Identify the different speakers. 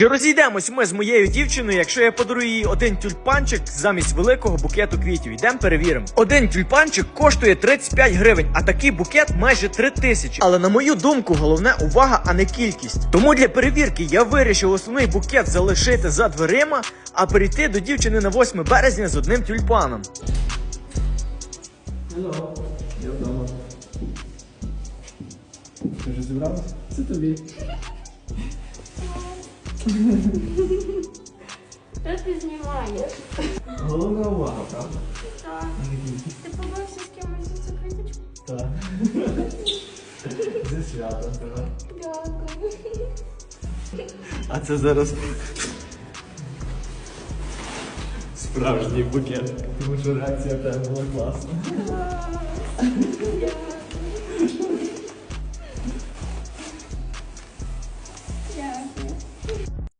Speaker 1: Чи розійдемось ми з моєю дівчиною, якщо я подарую їй один тюльпанчик замість великого букету квітів? Йдемо перевіримо. Один тюльпанчик коштує 35 гривень, а такий букет майже 3000. Але на мою думку, головне увага, а не кількість. Тому для перевірки я вирішив основний букет залишити за дверима, а перейти до дівчини на 8 березня з одним тюльпаном.
Speaker 2: Алло, я вдома. Ти вже зібралась? Це тобі.
Speaker 3: Що ти знімаєш?
Speaker 2: Головна увага, правда?
Speaker 3: Так. Ти побавився з кимось за цю квіточку?
Speaker 2: Так. Зі святом тебе.
Speaker 3: Дякую.
Speaker 2: А це зараз справжній букет. Тому що реакція в тебе була класна.
Speaker 3: Дякую.